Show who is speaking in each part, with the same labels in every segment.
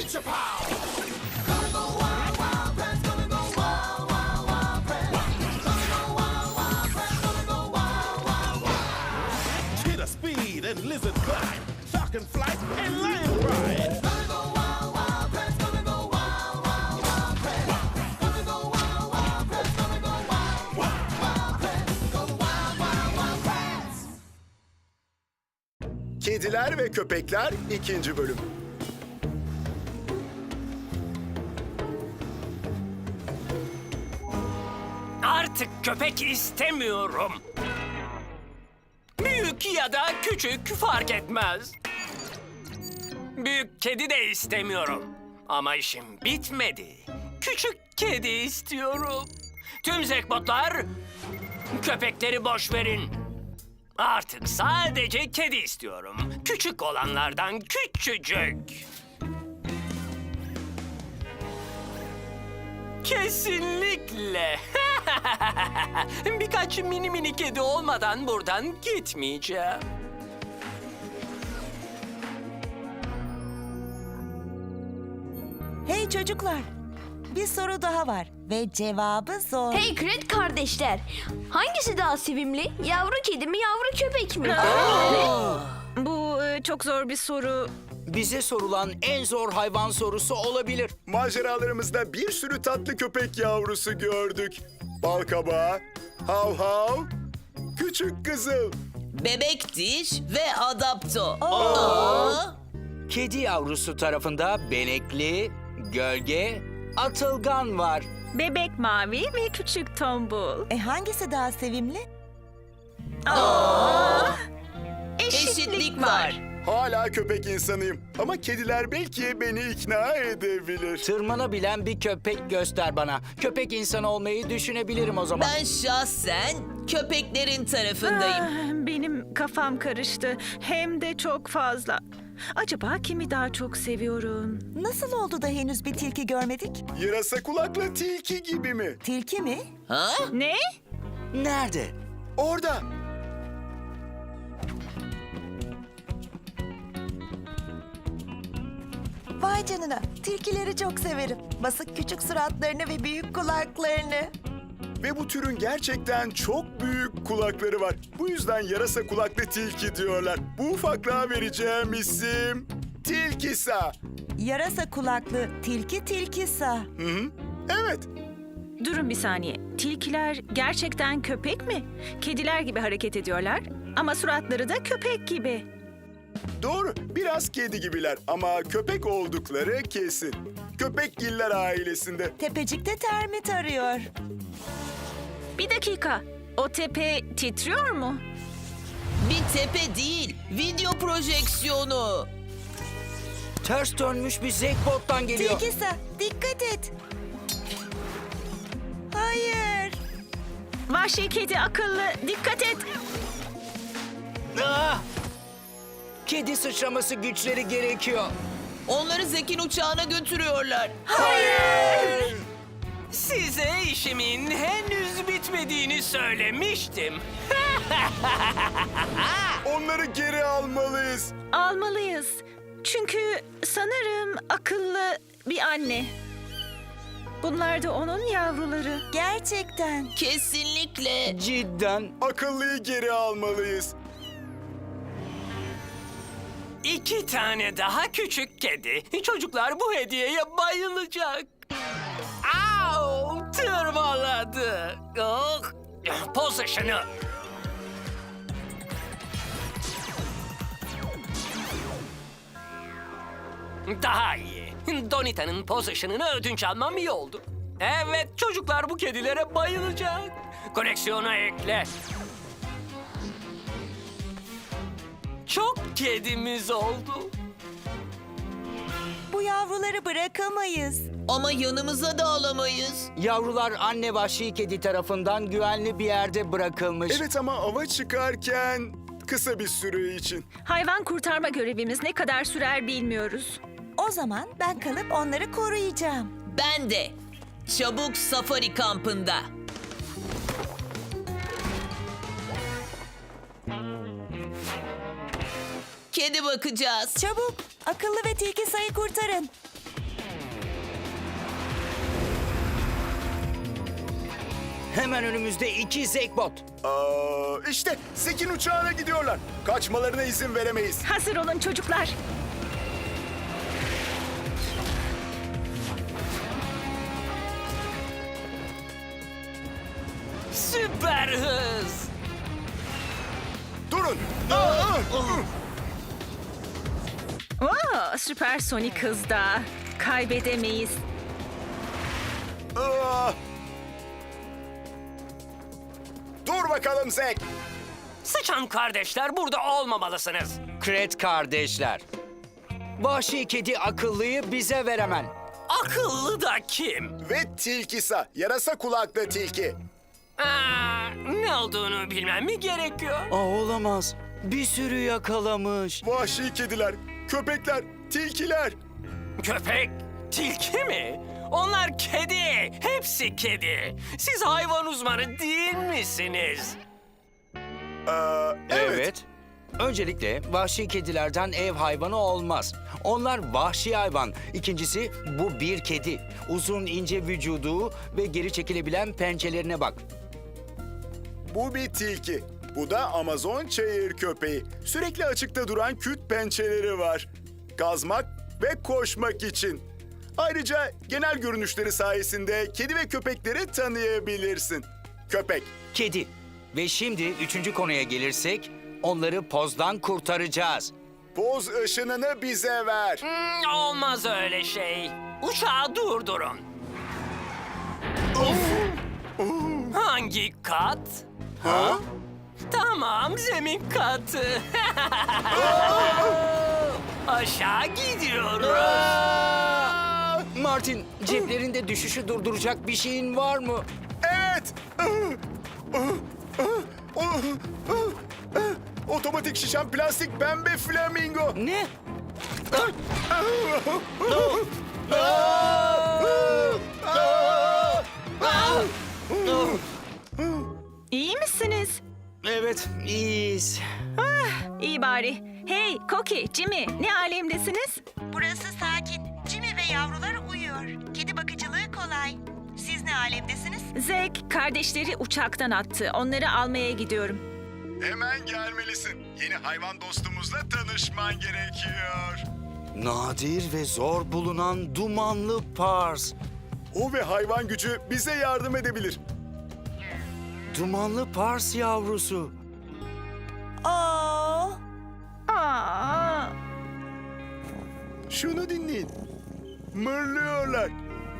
Speaker 1: Cheetah speed and lizard climb, shark and flight and lion ride.
Speaker 2: Kediler ve Köpekler 2. bölüm.
Speaker 3: Artık köpek istemiyorum. Büyük ya da küçük fark etmez. Büyük kedi de istemiyorum. Ama işim bitmedi. Küçük kedi istiyorum. Tüm zekbotlar, köpekleri boş verin. Artık sadece kedi istiyorum. Küçük olanlardan küçücük. Kesinlikle. Birkaç mini kedi olmadan buradan gitmeyeceğim.
Speaker 4: Hey çocuklar, bir soru daha var ve cevabı zor.
Speaker 5: Hey Kret kardeşler, hangisi daha sevimli? Yavru kedi mi, yavru köpek mi?
Speaker 6: Bu çok zor bir soru.
Speaker 7: Bize sorulan en zor hayvan sorusu olabilir.
Speaker 2: Maceralarımızda bir sürü tatlı köpek yavrusu gördük. Balkabağı, hav hav, küçük kızıl.
Speaker 8: Bebek diş ve adapto.
Speaker 7: Kedi yavrusu tarafında benekli, gölge, atılgan var.
Speaker 6: Bebek mavi ve küçük tombul.
Speaker 4: Hangisi daha sevimli?
Speaker 8: Eşitlik var.
Speaker 2: Hala köpek insanıyım ama kediler belki beni ikna edebilir.
Speaker 7: Tırmanabilen bir köpek göster bana. Köpek insanı olmayı düşünebilirim o zaman.
Speaker 8: Ben şahsen köpeklerin tarafındayım.
Speaker 6: Benim kafam karıştı. Hem de çok fazla. Acaba kimi daha çok seviyorum?
Speaker 4: Nasıl oldu da henüz bir tilki görmedik?
Speaker 2: Yarasa kulaklı tilki gibi mi?
Speaker 4: Tilki mi?
Speaker 8: Ha?
Speaker 6: Ne?
Speaker 7: Nerede?
Speaker 2: Orada.
Speaker 4: Vay canına, tilkileri çok severim. Basık küçük suratlarını ve büyük kulaklarını.
Speaker 2: Ve bu türün gerçekten çok büyük kulakları var. Bu yüzden yarasa kulaklı tilki diyorlar. Bu ufaklığa vereceğim isim Tilkisa.
Speaker 4: Yarasa kulaklı tilki tilkisa.
Speaker 2: Hı hı. Evet.
Speaker 6: Durun bir saniye. Tilkiler gerçekten köpek mi? Kediler gibi hareket ediyorlar ama suratları da köpek gibi.
Speaker 2: Doğru. Biraz kedi gibiler ama köpek oldukları kesin. Köpekgiller ailesinde.
Speaker 4: Tepecikte termit arıyor.
Speaker 6: Bir dakika. O tepe titriyor mu?
Speaker 8: Bir tepe değil, video projeksiyonu.
Speaker 7: Ters dönmüş bir zekbottan geliyor.
Speaker 4: Tilkisa, dikkat et. Hayır.
Speaker 6: Vahşi kedi akıllı. Dikkat et.
Speaker 7: Ah! Kedi sıçraması güçleri gerekiyor.
Speaker 8: Onları Zek'in uçağına götürüyorlar.
Speaker 3: Size işimin henüz bitmediğini söylemiştim.
Speaker 2: Onları geri almalıyız.
Speaker 6: Almalıyız. Çünkü sanırım akıllı bir anne. Bunlar da onun yavruları.
Speaker 4: Gerçekten.
Speaker 8: Kesinlikle.
Speaker 7: Cidden.
Speaker 2: Akıllıyı geri almalıyız.
Speaker 3: 2 tane daha küçük kedi. Çocuklar bu hediyeye bayılacak. Au! Tırmaladı. Oh! Pozisyonu. Daha iyi. Donita'nın pozisyonunu ödünç almam iyi oldu. Evet, çocuklar bu kedilere bayılacak. Koleksiyona ekle. Çok kedimiz oldu.
Speaker 4: Bu yavruları bırakamayız.
Speaker 8: Ama yanımıza da alamayız.
Speaker 7: Yavrular anne vahşi kedi tarafından güvenli bir yerde bırakılmış.
Speaker 2: Evet ama ava çıkarken kısa bir süre için.
Speaker 6: Hayvan kurtarma görevimiz ne kadar sürer bilmiyoruz.
Speaker 4: O zaman ben kalıp onları koruyacağım.
Speaker 8: Ben de. Çabuk safari kampında. Kedi bakacağız.
Speaker 4: Çabuk, akıllı ve tilki sayı kurtarın.
Speaker 7: Hemen önümüzde 2 Zekbot.
Speaker 2: İşte Zek'in uçağına gidiyorlar. Kaçmalarına izin veremeyiz.
Speaker 6: Hazır olun çocuklar.
Speaker 3: Süper hız.
Speaker 2: Durun.
Speaker 6: Oo, süpersonik hızda. Kaybedemeyiz.
Speaker 2: Dur bakalım Zek.
Speaker 3: Sıçan kardeşler, burada olmamalısınız.
Speaker 7: Kret kardeşler. Vahşi kedi akıllıyı bize ver hemen.
Speaker 3: Akıllı da kim?
Speaker 2: Ve tilkisa, yarasa kulaklı tilki.
Speaker 3: Ne olduğunu bilmem mi gerekiyor?
Speaker 7: Olamaz. Bir sürü yakalamış.
Speaker 2: Vahşi kediler, köpekler, tilkiler.
Speaker 3: Köpek, tilki mi? Onlar kedi, hepsi kedi. Siz hayvan uzmanı değil misiniz?
Speaker 7: Evet. Öncelikle vahşi kedilerden ev hayvanı olmaz. Onlar vahşi hayvan. İkincisi bu bir kedi. Uzun ince vücudu ve geri çekilebilen pençelerine bak.
Speaker 2: Bu bir tilki. Bu da Amazon çayır köpeği. Sürekli açıkta duran küt pençeleri var. Kazmak ve koşmak için. Ayrıca genel görünüşleri sayesinde kedi ve köpekleri tanıyabilirsin. Köpek.
Speaker 7: Kedi. Ve şimdi 3. konuya gelirsek onları pozdan kurtaracağız.
Speaker 2: Poz ışınını bize ver.
Speaker 3: Olmaz öyle şey. Uçağı durdurun. Hangi kat?
Speaker 2: Ha?
Speaker 3: Tamam, zemin katı. Aşağı gidiyoruz.
Speaker 7: Martin, ceplerinde düşüşü durduracak bir şeyin var mı?
Speaker 2: Evet. Otomatik şişen plastik pembe flamingo.
Speaker 7: Ne?
Speaker 6: İyi misiniz?
Speaker 7: Evet, iyiyiz.
Speaker 6: İyi bari. Hey, Koki, Jimmy, ne alemdesiniz?
Speaker 4: Burası sakin. Jimmy ve yavrular uyuyor. Kedi bakıcılığı kolay. Siz ne alemdesiniz?
Speaker 6: Zek, kardeşleri uçaktan attı. Onları almaya gidiyorum.
Speaker 2: Hemen gelmelisin. Yeni hayvan dostumuzla tanışman gerekiyor.
Speaker 7: Nadir ve zor bulunan dumanlı pars.
Speaker 2: O ve hayvan gücü bize yardım edebilir.
Speaker 7: Dumanlı pars yavrusu.
Speaker 4: Aa,
Speaker 6: Aa,
Speaker 2: Şunu dinleyin. Mırlıyorlar.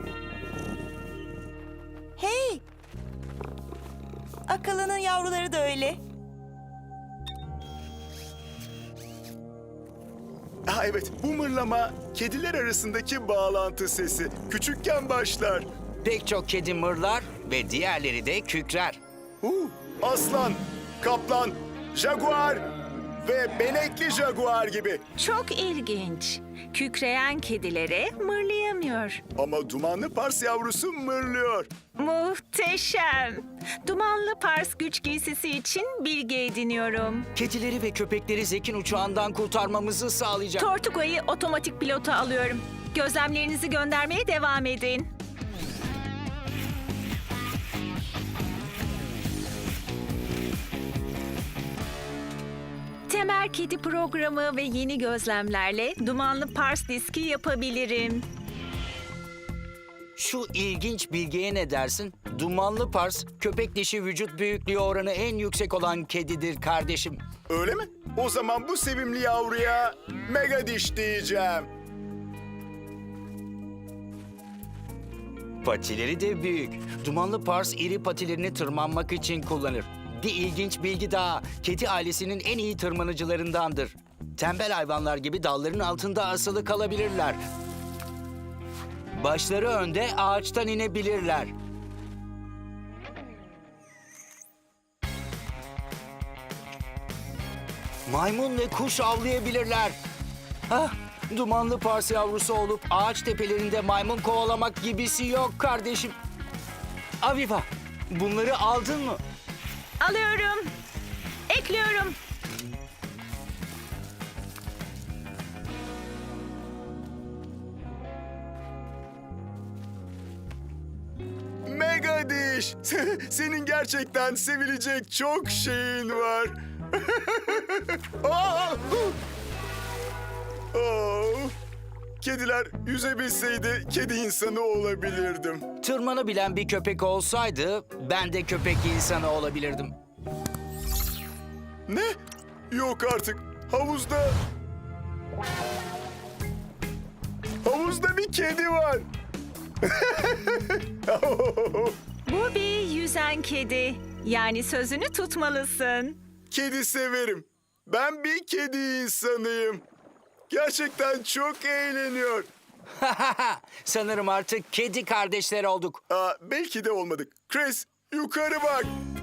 Speaker 4: hey. Akıllının yavruları da öyle.
Speaker 2: Evet, bu mırlama kediler arasındaki bağlantı sesi. Küçükken başlar.
Speaker 7: Pek çok kedi mırlar ve diğerleri de kükrer.
Speaker 2: Aslan, kaplan, jaguar ve benekli jaguar gibi.
Speaker 6: çok ilginç. Kükreyen kedilere mırlayamıyor.
Speaker 2: Ama dumanlı pars yavrusu mırlıyor.
Speaker 6: Muhteşem. Dumanlı pars güç giysisi için bilgi ediniyorum.
Speaker 7: Kedileri ve köpekleri Zek'in uçağından kurtarmamızı sağlayacak.
Speaker 6: Tortuga'yı otomatik pilota alıyorum. Gözlemlerinizi göndermeye devam edin. Temel Kedi programı ve yeni gözlemlerle dumanlı pars diski yapabilirim.
Speaker 7: Şu ilginç bilgiye ne dersin? Dumanlı pars, köpek dişi vücut büyüklüğü oranı en yüksek olan kedidir kardeşim.
Speaker 2: Öyle mi? O zaman bu sevimli yavruya mega diş diyeceğim.
Speaker 7: Patileri de büyük. Dumanlı pars iri patilerini tırmanmak için kullanır. Bir ilginç bilgi daha. Kedi ailesinin en iyi tırmanıcılarındandır. Tembel hayvanlar gibi dalların altında asılı kalabilirler. Başları önde ağaçtan inebilirler. Maymun ve kuş avlayabilirler. Ah, dumanlı pars yavrusu olup ağaç tepelerinde maymun kovalamak gibisi yok kardeşim. Aviva, bunları aldın mı?
Speaker 6: Alıyorum. Ekliyorum.
Speaker 2: Mega Megadiş. Senin gerçekten sevilecek çok şeyin var. Aa! Oh! Kediler yüzebilseydi kedi insanı olabilirdim.
Speaker 7: Tırmanabilen bir köpek olsaydı ben de köpek insanı olabilirdim.
Speaker 2: Ne? Yok artık. Havuzda... Havuzda bir kedi var.
Speaker 6: Bu bir yüzen kedi. Yani sözünü tutmalısın.
Speaker 2: Kedi severim. Ben bir kedi insanıyım. Gerçekten çok eğleniyor.
Speaker 7: Sanırım artık kedi kardeşler olduk.
Speaker 2: Belki de olmadık. Chris, yukarı bak.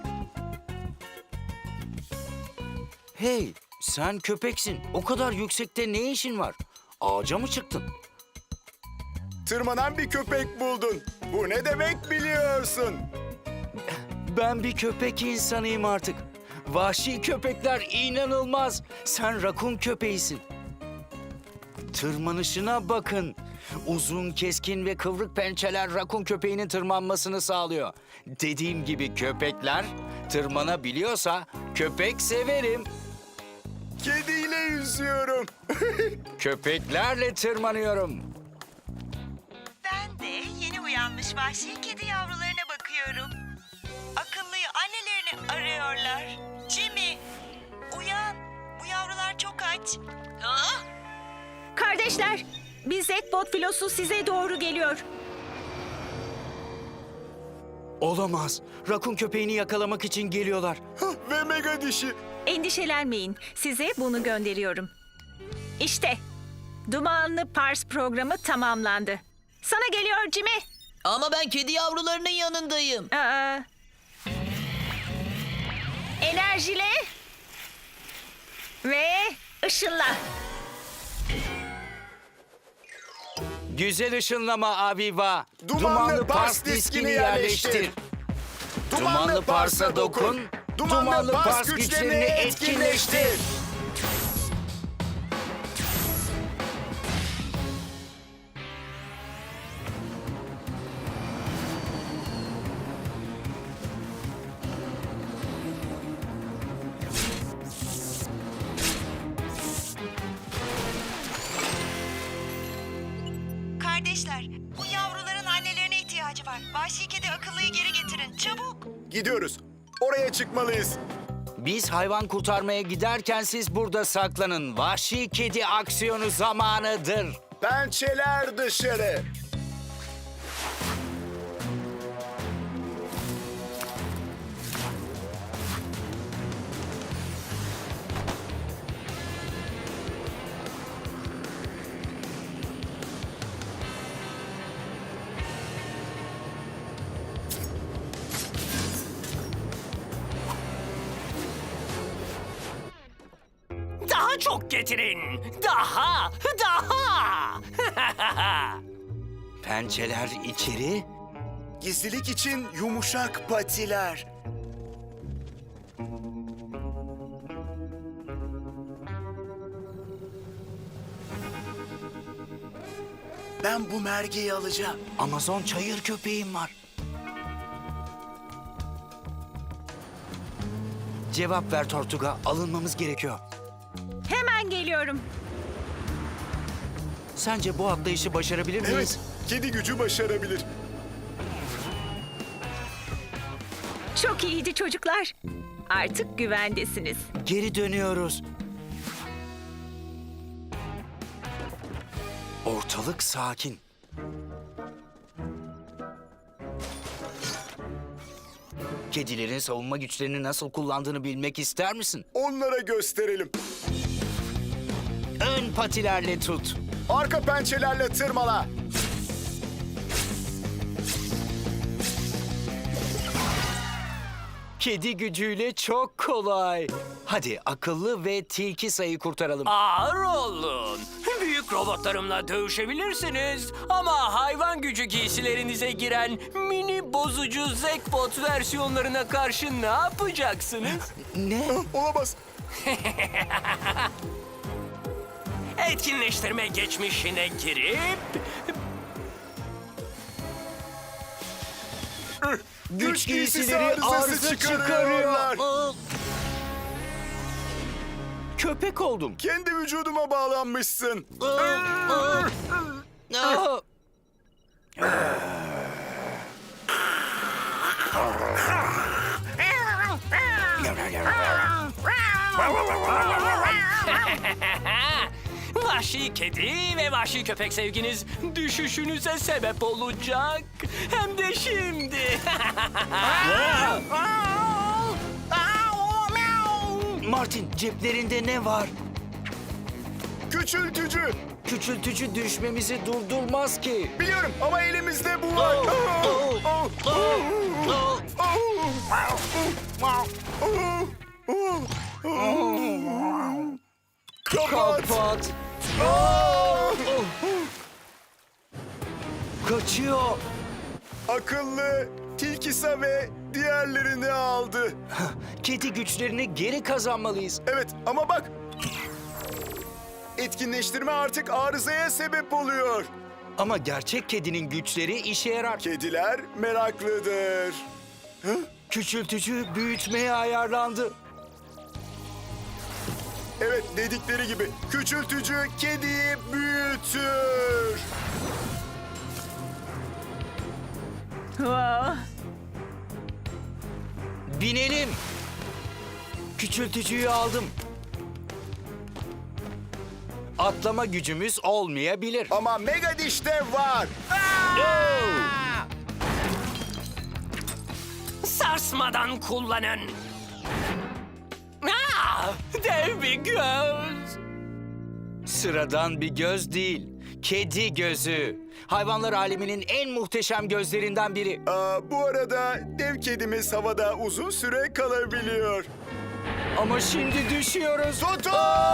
Speaker 7: Hey, sen köpeksin. O kadar yüksekte ne işin var? Ağaca mı çıktın?
Speaker 2: Tırmanan bir köpek buldun. Bu ne demek biliyorsun?
Speaker 7: Ben bir köpek insanıyım artık. Vahşi köpekler inanılmaz. Sen rakun köpeğisin. Tırmanışına bakın. Uzun, keskin ve kıvrık pençeler rakun köpeğinin tırmanmasını sağlıyor. Dediğim gibi köpekler tırmanabiliyorsa köpek severim.
Speaker 2: Kediyle yüzüyorum.
Speaker 9: Köpeklerle tırmanıyorum.
Speaker 4: Ben de yeni uyanmış vahşi kedi yavrularına bakıyorum. Akıllıyı annelerini arıyorlar. Jimmy, uyan. Bu yavrular çok aç.
Speaker 6: Kardeşler, bir Zekbot filosu size doğru geliyor.
Speaker 7: Olamaz. Rakun köpeğini yakalamak için geliyorlar.
Speaker 2: Ve mega dişi.
Speaker 6: Endişelenmeyin, size bunu gönderiyorum. İşte, Dumanlı Pars programı tamamlandı. Sana geliyor Jimmy.
Speaker 8: Ama ben kedi yavrularının yanındayım.
Speaker 6: Enerjile ve ışınla.
Speaker 7: Güzel ışınlama Aviva.
Speaker 2: Dumanlı Pars diskini yerleştir.
Speaker 7: Dumanlı Pars'a dokun. Dumanlı Pars güçlerini etkinleştir.
Speaker 4: Kardeşler, bu yavruların annelerine ihtiyacı var. Vahşi kedi akıllıyı geri getirin. Çabuk.
Speaker 2: Gidiyoruz. Oraya çıkmalıyız.
Speaker 7: Biz hayvan kurtarmaya giderken siz burada saklanın. Vahşi kedi aksiyonu zamanıdır.
Speaker 2: Pençeler dışarı.
Speaker 3: Daha çok getirin. Daha.
Speaker 7: Pençeler içeri.
Speaker 2: Gizlilik için yumuşak patiler. Ben bu mergeyi alacağım.
Speaker 7: Amazon çayır köpeğim var. Cevap ver Tortuga. Alınmamız gerekiyor.
Speaker 6: Hemen geliyorum.
Speaker 7: Sence bu atlayışı başarabilir miyiz?
Speaker 2: Evet, kedi gücü başarabilir.
Speaker 6: Çok iyiydi çocuklar. Artık güvendesiniz.
Speaker 7: Geri dönüyoruz. Ortalık sakin. Kedilerin savunma güçlerini nasıl kullandığını bilmek ister misin?
Speaker 2: Onlara gösterelim.
Speaker 7: Ön patilerle tut.
Speaker 2: Arka pençelerle tırmala.
Speaker 7: Kedi gücüyle çok kolay. Hadi akıllı ve tilki sayı kurtaralım.
Speaker 3: Ağır olun. Büyük robotlarımla dövüşebilirsiniz. Ama hayvan gücü giysilerinize giren mini bozucu Zekbot versiyonlarına karşı ne yapacaksınız?
Speaker 7: Ne?
Speaker 2: Olamaz.
Speaker 3: Etkinleştirme geçmişine girip...
Speaker 7: Güç giysileri arıza çıkarıyorlar. Köpek oldum.
Speaker 2: Kendi vücuduma bağlanmışsın.
Speaker 7: Aa!
Speaker 3: Vahşi kedi ve vahşi köpek sevginiz düşüşünüze sebep olacak. Hem de şimdi.
Speaker 7: Martin, ceplerinde ne var?
Speaker 2: Küçültücü.
Speaker 7: Küçültücü düşmemizi durdurmaz ki.
Speaker 2: Biliyorum ama elimizde bu var. Kapat.
Speaker 7: Kapat. Kaçıyor.
Speaker 2: Akıllı, Tilkisa ve diğerlerini aldı.
Speaker 7: Kedi güçlerini geri kazanmalıyız.
Speaker 2: Evet ama bak. Etkinleştirme artık arızaya sebep oluyor.
Speaker 7: Ama gerçek kedinin güçleri işe yarar.
Speaker 2: Kediler meraklıdır.
Speaker 7: Küçültücü büyütmeye ayarlandı.
Speaker 2: Evet, dedikleri gibi küçültücü kediyi büyütür.
Speaker 6: Wow.
Speaker 7: Binelim. Küçültücüyü aldım. Atlama gücümüz olmayabilir.
Speaker 2: Ama Mega Diş'te var.
Speaker 3: Sarsmadan kullanın. Dev bir göz.
Speaker 7: Sıradan bir göz değil. Kedi gözü. Hayvanlar aleminin en muhteşem gözlerinden biri.
Speaker 2: Bu arada dev kedimiz havada uzun süre kalabiliyor.
Speaker 7: Ama şimdi düşüyoruz.
Speaker 2: Tutun!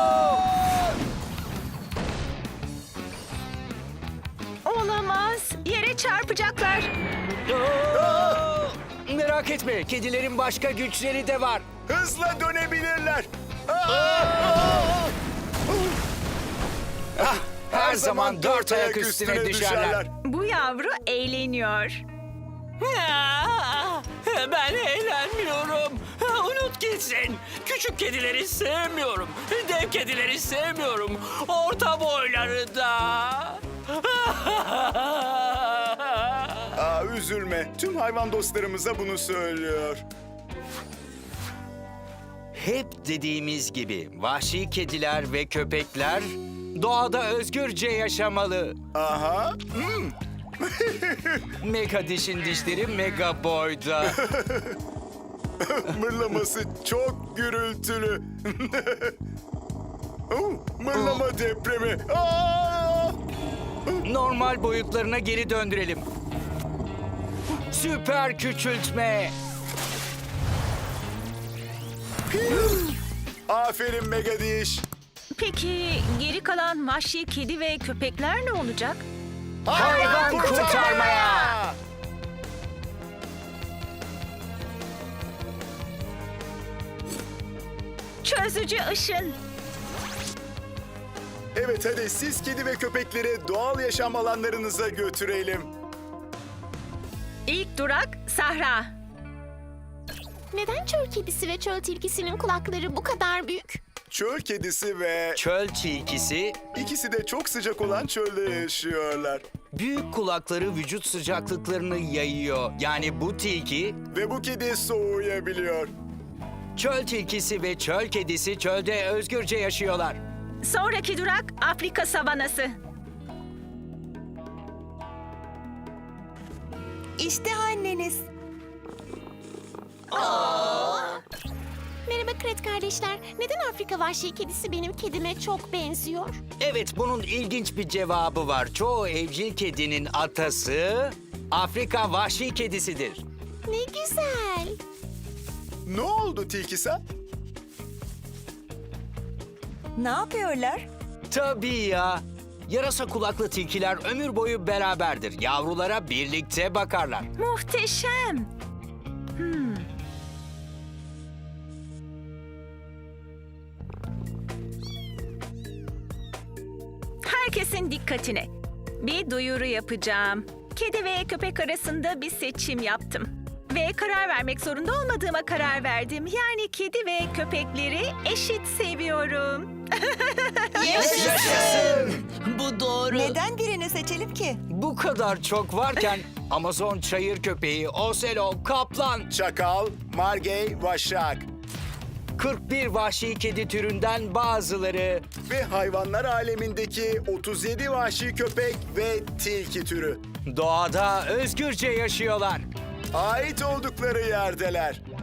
Speaker 6: Olamaz. Yere çarpacaklar.
Speaker 7: Merak etme, kedilerin başka güçleri de var.
Speaker 2: Hızla dönebilirler.
Speaker 7: Her zaman dört ayak üstüne düşerler.
Speaker 6: Bu yavru eğleniyor.
Speaker 3: Ben eğlenmiyorum. Unut gitsin. Küçük kedileri sevmiyorum. Dev kedileri sevmiyorum. Orta boyları da.
Speaker 2: Üzülme. Tüm hayvan dostlarımıza bunu söylüyor.
Speaker 7: Hep dediğimiz gibi vahşi kediler ve köpekler doğada özgürce yaşamalı.
Speaker 2: Aha.
Speaker 7: Mega dişin dişleri mega boyda.
Speaker 2: Mırlaması çok gürültülü. Mırlama depremi.
Speaker 7: Normal boyutlarına geri döndürelim. Süper küçültme.
Speaker 2: Aferin Mega Diş.
Speaker 6: Peki geri kalan vahşi kedi ve köpekler ne olacak?
Speaker 7: Hayvan kurtarmaya.
Speaker 6: Çözücü ışın.
Speaker 2: Evet, hadi siz kedi ve köpekleri doğal yaşam alanlarınıza götürelim.
Speaker 6: İlk durak Sahra.
Speaker 10: Neden çöl kedisi ve çöl tilkisinin kulakları bu kadar büyük?
Speaker 2: Çöl kedisi ve
Speaker 7: Çöl tilkisi
Speaker 2: ikisi de çok sıcak olan çölde yaşıyorlar.
Speaker 7: büyük kulakları vücut sıcaklıklarını yayıyor. Yani bu tilki,
Speaker 2: Ve bu kedi soğuyabiliyor.
Speaker 7: çöl tilkisi ve çöl kedisi çölde özgürce yaşıyorlar.
Speaker 6: Sonraki durak Afrika savanası.
Speaker 4: İşte anneniz.
Speaker 10: Merhaba Kret kardeşler. Neden Afrika vahşi kedisi benim kedime çok benziyor?
Speaker 7: Evet, bunun ilginç bir cevabı var. Çoğu evcil kedinin atası Afrika vahşi kedisidir.
Speaker 10: Ne güzel.
Speaker 2: Ne oldu Tilkisa?
Speaker 4: Ne yapıyorlar?
Speaker 7: Tabii ya. Yarasa kulaklı tilkiler ömür boyu beraberdir. Yavrulara birlikte bakarlar.
Speaker 6: Muhteşem. Herkesin dikkatine. Bir duyuru yapacağım. Kedi ve köpek arasında bir seçim yaptım. Ve karar vermek zorunda olmadığıma karar verdim. Yani kedi ve köpekleri eşit seviyorum.
Speaker 8: Bu doğru.
Speaker 4: Neden birini seçelim ki?
Speaker 7: Bu kadar çok varken Amazon çayır köpeği, Ocelot, kaplan,
Speaker 2: Çakal, Margey, Vaşak
Speaker 7: 41 vahşi kedi türünden bazıları,
Speaker 2: ve hayvanlar alemindeki 37 vahşi köpek ve tilki türü.
Speaker 7: doğada özgürce yaşıyorlar.
Speaker 2: Ait oldukları yerdeler.